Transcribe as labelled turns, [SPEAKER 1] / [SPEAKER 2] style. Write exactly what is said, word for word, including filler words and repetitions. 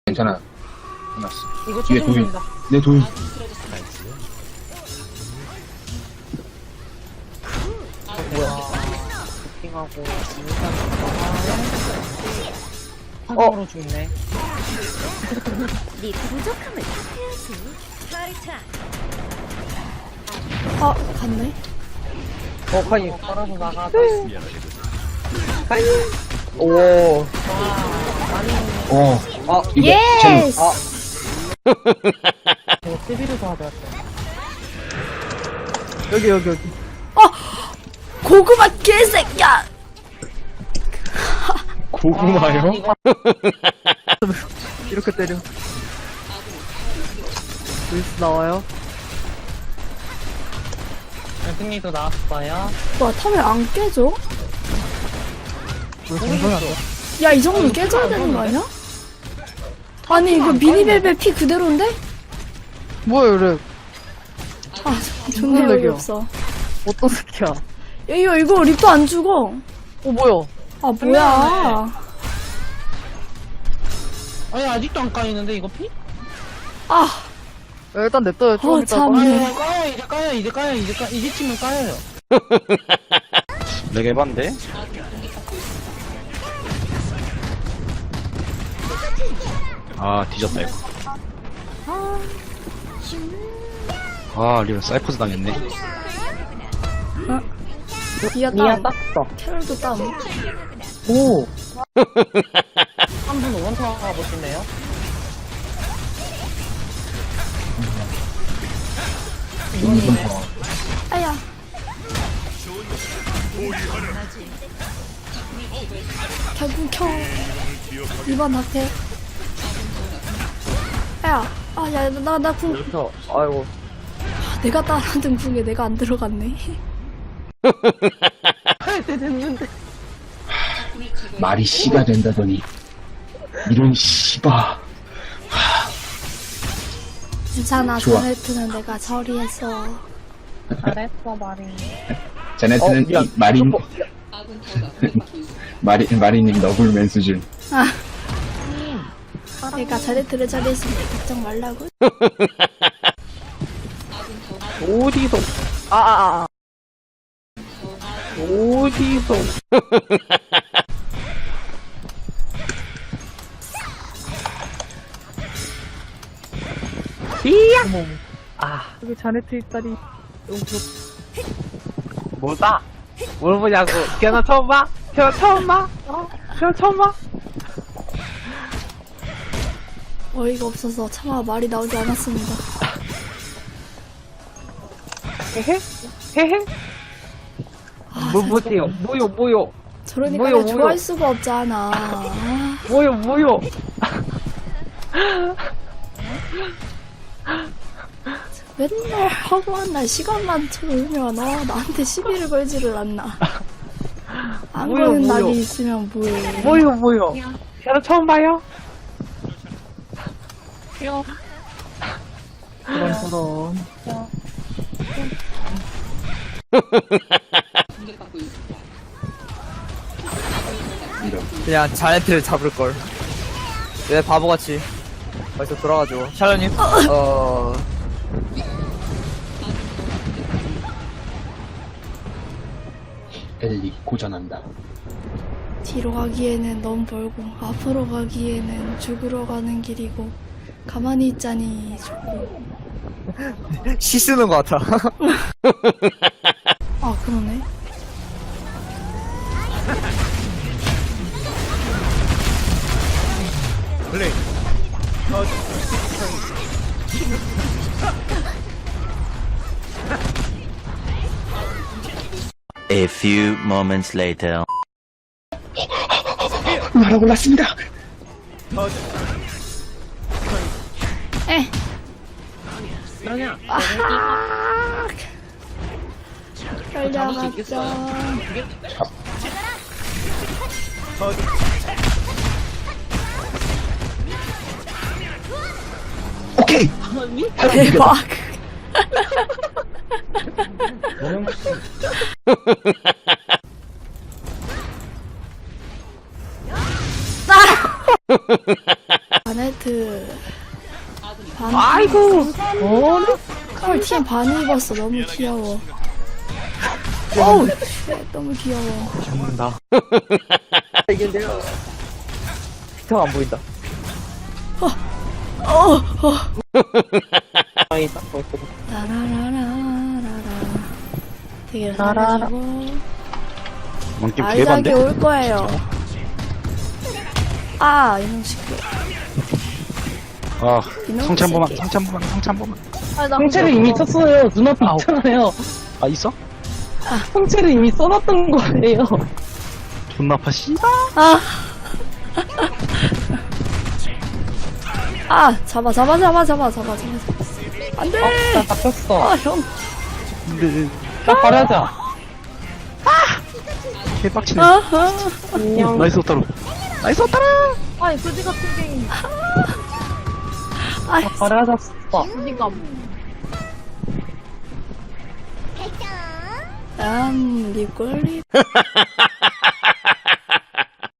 [SPEAKER 1] 괜찮아. 끝났어.
[SPEAKER 2] 이거
[SPEAKER 1] 뒤에 돌.
[SPEAKER 2] 쳐줍니다.
[SPEAKER 1] 내 돌.
[SPEAKER 2] 뭐야. 부팅하고, 인간 어? 죽네.
[SPEAKER 3] 네 부족함을 해야지. 파이타.
[SPEAKER 4] 아, 갔네.
[SPEAKER 2] 어, 카이. 걸어서 나가자. 카이. 오.
[SPEAKER 1] 어.
[SPEAKER 2] 아,
[SPEAKER 1] 이게
[SPEAKER 4] 예스!
[SPEAKER 2] 아. 이거 시비를 더 하자. 여기, 여기, 여기.
[SPEAKER 4] 고구마 개새끼야!
[SPEAKER 1] 고구마요?
[SPEAKER 2] 이렇게 때려. 루이스 나와요? 승리도 나왔어요.
[SPEAKER 4] 와, 탑을 안 깨져?
[SPEAKER 2] 왜 공성이 안 돼?
[SPEAKER 4] 야, 이 정도면 깨져야 되는 거 아니야? 아니, 이거 미니벨벳 피 그대로인데?
[SPEAKER 2] 뭐야, 이래.
[SPEAKER 4] 아, 존나
[SPEAKER 2] 무슨
[SPEAKER 4] 여기
[SPEAKER 2] 렉이야?
[SPEAKER 4] 없어.
[SPEAKER 2] 어떤 새끼야?
[SPEAKER 4] 야, 이거, 이거 립도 안 죽어.
[SPEAKER 2] 어, 뭐야?
[SPEAKER 4] 아, 뭐야.
[SPEAKER 5] 아니 아직도 안 까이는데 이거 피?
[SPEAKER 4] 아,
[SPEAKER 2] 야, 일단 냅둬요. 좀
[SPEAKER 4] 어,
[SPEAKER 2] 이따.
[SPEAKER 4] 참.
[SPEAKER 5] 아니
[SPEAKER 4] 네.
[SPEAKER 5] 까요 이제 까요 이제 까요 이제 까 이제 치면 까요.
[SPEAKER 1] 내가 해봤는데? 아, 뒤졌다, 이거. 아, 리얼 사이퍼즈 당했네.
[SPEAKER 4] 미아
[SPEAKER 2] 미아
[SPEAKER 4] 다운.
[SPEAKER 2] 땄어.
[SPEAKER 4] 캐럴도 다운.
[SPEAKER 2] 오. 한 분 원타 가보시네요.
[SPEAKER 4] 아야. 결국 켜. 이번 학회. 야, 아, 야, 나, 나 궁,
[SPEAKER 2] 그래서, 아이고.
[SPEAKER 4] 내가 따라하던 궁에 내가 안 들어갔네.
[SPEAKER 2] 할때 됐는데.
[SPEAKER 1] 말이 씨가 된다더니. 이런 씨바.
[SPEAKER 4] 괜찮아,
[SPEAKER 1] 좋아.
[SPEAKER 4] 자네트는 내가 처리했어.
[SPEAKER 2] 잘했어, 말이.
[SPEAKER 1] 자네트는
[SPEAKER 2] 어, 미안.
[SPEAKER 1] 이 마린,
[SPEAKER 2] 어,
[SPEAKER 1] 마린, 마린님 너굴맨 수준.
[SPEAKER 4] 아. 내가 자네트를 처리했으니 걱정 말라고.
[SPEAKER 2] 어디서. 아, 아, 아. 어디서. 이야! 어머, 아. 여기 자네트 있다니. 너무 부럽 뭐다? 뭘 보냐고. 걔너 처음 봐? 걔너 처음 봐? 어? 걔너 처음 봐?
[SPEAKER 4] 어이가 없어서 차마 말이 나오지 않았습니다.
[SPEAKER 2] 헤헤? 헤헤?
[SPEAKER 4] 아,
[SPEAKER 2] 뭐,
[SPEAKER 4] 진짜
[SPEAKER 2] 뭐세요? 뭐요, 뭐요?
[SPEAKER 4] 저러니까
[SPEAKER 2] 뭐요,
[SPEAKER 4] 내가
[SPEAKER 2] 뭐요?
[SPEAKER 4] 좋아할 수가 없잖아. 아,
[SPEAKER 2] 뭐요, 뭐요?
[SPEAKER 4] 맨날 허구한 날 시간만 채우면 어, 나한테 시비를 걸지를 않나. 안
[SPEAKER 2] 뭐요,
[SPEAKER 4] 거는
[SPEAKER 2] 뭐요?
[SPEAKER 4] 낙이 있으면 뭐해.
[SPEAKER 2] 뭐요, 뭐요? 걔너 처음 봐요? 그럼, 그럼.
[SPEAKER 1] 이런.
[SPEAKER 6] 그냥 자네트를 잡을걸. 왜 바보같이 벌써 돌아가지고. 샬로님? 어...
[SPEAKER 1] 엘리 고전한다.
[SPEAKER 4] 뒤로 가기에는 너무 멀고 앞으로 가기에는 죽으러 가는 길이고 가만히 있자니 좋고.
[SPEAKER 6] 시 쓰는 것 같아.
[SPEAKER 4] 아, 그러네.
[SPEAKER 7] A few moments later.
[SPEAKER 1] 나라 올랐습니다.
[SPEAKER 4] 에.
[SPEAKER 5] 그러냐?
[SPEAKER 4] 아. 걸려갔죠.
[SPEAKER 1] 오케이!
[SPEAKER 4] 대박. 자네트 하트. 반.
[SPEAKER 2] 아이고. 어?
[SPEAKER 4] 헐, 티엠 반 입었어. 너무 귀여워. 어우, 쉣, 너무 귀여워.
[SPEAKER 2] 죽는다.
[SPEAKER 6] 이긴데요. 피터가 안 보인다.
[SPEAKER 4] 어, 어.
[SPEAKER 5] 아이 딱 보였거든.
[SPEAKER 4] 라라라라라라. 되게 잘해주고.
[SPEAKER 1] 왕게임
[SPEAKER 4] 아이작이
[SPEAKER 1] 개반데?
[SPEAKER 4] 올 거예요. 아, 이놈 시끄러.
[SPEAKER 1] 아,
[SPEAKER 4] 이놈
[SPEAKER 1] 성체 한 번만,
[SPEAKER 4] 새끼.
[SPEAKER 1] 성체 한 번만, 성체 한 번만.
[SPEAKER 5] 성체를 이미 썼어요. 눈앞에 있잖아요.
[SPEAKER 1] 아, 있어?
[SPEAKER 5] 성체를 이미 써놨던 거예요.
[SPEAKER 1] 존나 아파, 씨.
[SPEAKER 4] 아. 아, 잡아, 잡아, 잡아, 잡아, 잡아, 잡아. 안 돼!
[SPEAKER 5] 나 잡혔어.
[SPEAKER 4] 아, 형.
[SPEAKER 1] 근데,
[SPEAKER 5] 나 버려자.
[SPEAKER 1] 개빡치네.
[SPEAKER 4] 아, 아.
[SPEAKER 5] 안녕.
[SPEAKER 1] 나이스 오타로. 나이스 오타로!
[SPEAKER 3] 아니 그지 같은 게
[SPEAKER 4] 아,
[SPEAKER 5] 나 버려졌어.
[SPEAKER 3] 어디가
[SPEAKER 4] 난 리꼴리.